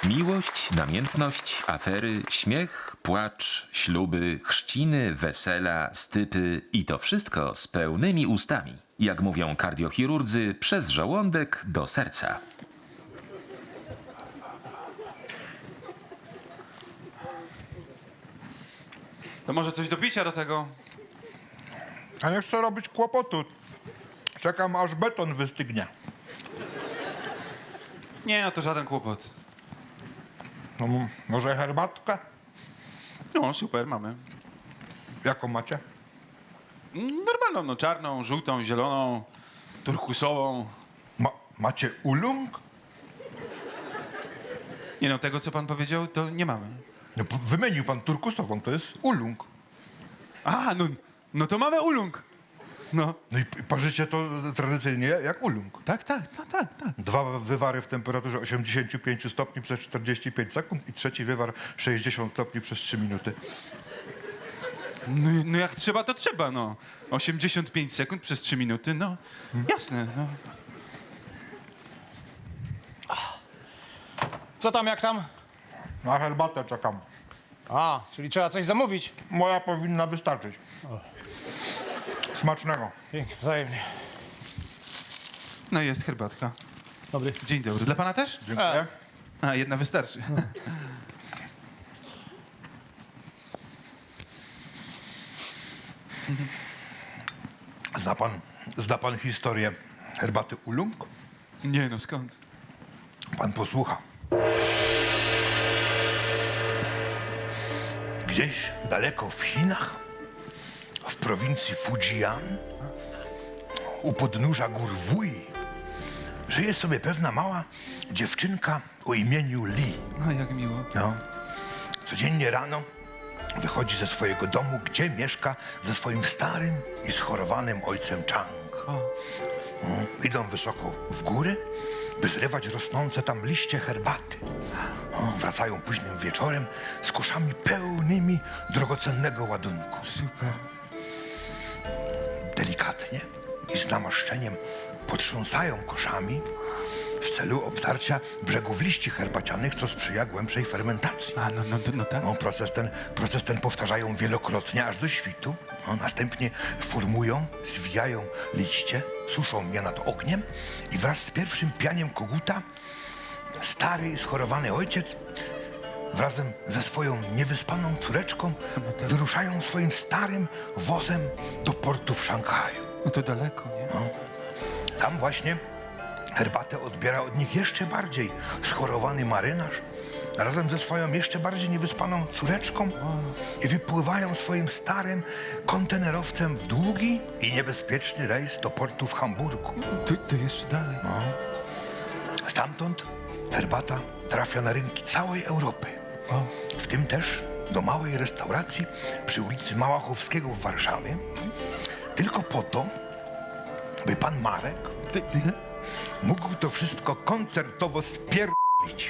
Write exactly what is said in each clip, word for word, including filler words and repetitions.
Miłość, namiętność, afery, śmiech, płacz, śluby, chrzciny, wesela, stypy i to wszystko z pełnymi ustami. Jak mówią kardiochirurdzy, przez żołądek do serca. To może coś do picia do tego? A nie chcę robić kłopotu. Czekam, aż beton wystygnie. Nie, no to żaden kłopot. No, m- może herbatkę? No, super, mamy. Jaką macie? Normalną, no czarną, żółtą, zieloną, turkusową. Ma- macie ulung? Nie no, tego co pan powiedział, to nie mamy. No, p- wymienił pan turkusową, to jest ulung. A, no, no to mamy ulung. No. No i p- parzycie to tradycyjnie jak ulung. Tak, tak, tak, tak, tak. Dwa wywary w temperaturze osiemdziesiąt pięć stopni przez czterdzieści pięć sekund i trzeci wywar sześćdziesiąt stopni przez trzy minuty. No, no jak trzeba, to trzeba, no. osiemdziesiąt pięć sekund przez trzy minuty, no. Jasne, no. Co tam, jak tam? Na herbatę czekam. A, czyli trzeba coś zamówić. Moja powinna wystarczyć. Smacznego. Dzięki, wzajemnie. No jest herbatka. Dobry. Dzień dobry. Dla pana też? Dziękuję. A, jedna wystarczy. Zna pan, zna pan historię herbaty ulung? Nie no, skąd? Pan posłucha. Gdzieś daleko w Chinach, w prowincji Fujian, u podnóża gór Wuyi, żyje sobie pewna mała dziewczynka o imieniu Li. No, jak miło. No. Codziennie rano wychodzi ze swojego domu, gdzie mieszka ze swoim starym i schorowanym ojcem Chang. Mm, Idą wysoko w góry, by zrywać rosnące tam liście herbaty. O, wracają późnym wieczorem z koszami pełnymi drogocennego ładunku. Super. Delikatnie i z namaszczeniem potrząsają koszami w celu obtarcia brzegów liści herbacianych, co sprzyja głębszej fermentacji. A, no, no, no tak. No, proces, ten, proces ten powtarzają wielokrotnie, aż do świtu. No, następnie formują, zwijają liście, suszą je nad ogniem i wraz z pierwszym pianiem koguta stary i schorowany ojciec wrazem ze swoją niewyspaną córeczką wyruszają swoim starym wozem do portu w Szanghaju. No to daleko, nie? Tam właśnie herbatę odbiera od nich jeszcze bardziej schorowany marynarz razem ze swoją jeszcze bardziej niewyspaną córeczką i wypływają swoim starym kontenerowcem w długi i niebezpieczny rejs do portu w Hamburgu. To, to jeszcze dalej. Stamtąd herbata trafia na rynki całej Europy, w tym też do małej restauracji przy ulicy Małachowskiego w Warszawie, tylko po to, by pan Marek Ty, ty, mógł to wszystko koncertowo spierdolić.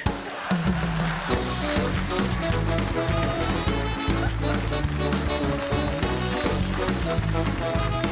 Thank you.